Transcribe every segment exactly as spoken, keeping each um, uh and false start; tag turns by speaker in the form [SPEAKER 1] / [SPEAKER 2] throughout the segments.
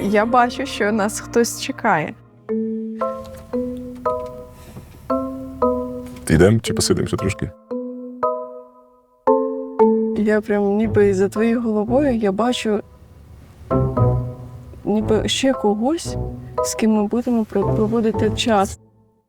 [SPEAKER 1] Я бачу, що нас хтось чекає.
[SPEAKER 2] Йдемо чи посидимо ще трошки?
[SPEAKER 1] Я прям ніби за твоєю головою я бачу ніби ще когось, з ким ми будемо проводити час.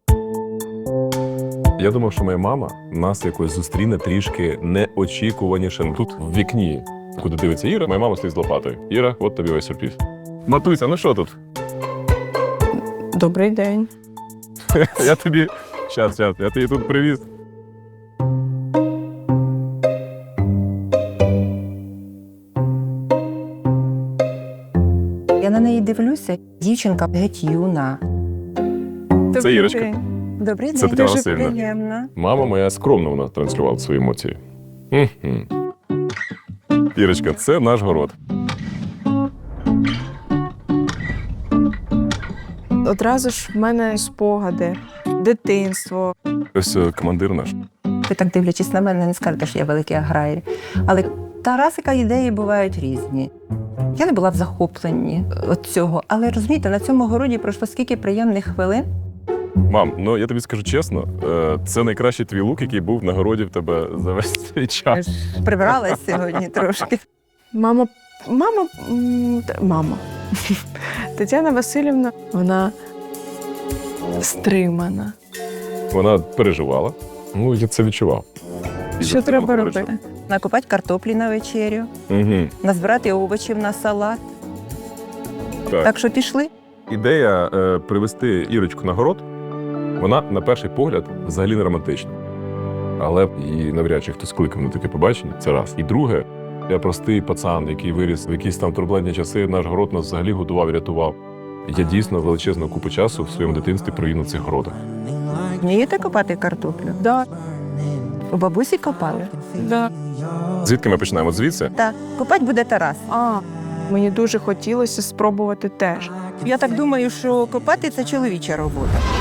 [SPEAKER 2] Я думав, що моя мама нас якось зустріне трішки неочікуваніше. Ну, тут в вікні, куди дивиться Іра, моя мама стоїть з лопатою. Іра, от тобі весь сюрприз. Матуся, ну що тут?
[SPEAKER 1] Добрий день.
[SPEAKER 2] Я тобі... Щас, щас, я тобі тут привіз.
[SPEAKER 3] Я на неї дивлюся, дівчинка геть юна.
[SPEAKER 1] Добрий
[SPEAKER 2] Ірочка.
[SPEAKER 1] день.
[SPEAKER 3] Добрий
[SPEAKER 2] Це
[SPEAKER 3] день,
[SPEAKER 2] Тетяна
[SPEAKER 3] дуже
[SPEAKER 2] Василівна.
[SPEAKER 3] приємно.
[SPEAKER 2] Мама моя скромно вона транслювала свої емоції. Мгм. Ірочка, це наш город.
[SPEAKER 1] Одразу ж в мене спогади, дитинство.
[SPEAKER 2] Ось е, командир наш.
[SPEAKER 3] Ви так дивлячись на мене, не скажете, що я великий аграрій. Але Тарасика ідеї бувають різні. Я не була в захопленні від цього, але розумієте, на цьому городі пройшло скільки приємних хвилин.
[SPEAKER 2] Мам, ну я тобі скажу чесно, е, це найкращий твій лук, який був на городі в тебе за весь цей
[SPEAKER 3] Я
[SPEAKER 2] час.
[SPEAKER 3] ж прибиралась сьогодні трошки.
[SPEAKER 1] Мама, мама, м, та- мама. Тетяна Василівна, вона стримана.
[SPEAKER 2] Вона переживала. Ну, я це відчував. І
[SPEAKER 1] Що
[SPEAKER 2] за це
[SPEAKER 1] треба
[SPEAKER 2] вона
[SPEAKER 1] робити?
[SPEAKER 2] переживала.
[SPEAKER 3] Накопати картоплі на вечерю,
[SPEAKER 2] Угу.
[SPEAKER 3] назбирати овочів на салат.
[SPEAKER 2] Так.
[SPEAKER 3] Так що пішли.
[SPEAKER 2] Ідея е, привезти Ірочку на город, вона, на перший погляд, взагалі не романтична. Але її навряд чи хтось кликав на таке побачення, це раз. І друге, я простий пацан, який виріс в якісь там турбулентні часи, наш город нас взагалі годував і рятував. Я дійсно величезну купу часу в своєму дитинстві провів на цих городах.
[SPEAKER 3] Вмієте копати картоплю?
[SPEAKER 1] Да,
[SPEAKER 3] У бабусі копали?
[SPEAKER 1] да.
[SPEAKER 2] Звідки ми починаємо? Звідси?
[SPEAKER 3] Так, копати буде Тарас.
[SPEAKER 1] А, мені дуже хотілося спробувати теж.
[SPEAKER 3] Я так думаю, що копати – це чоловіча робота.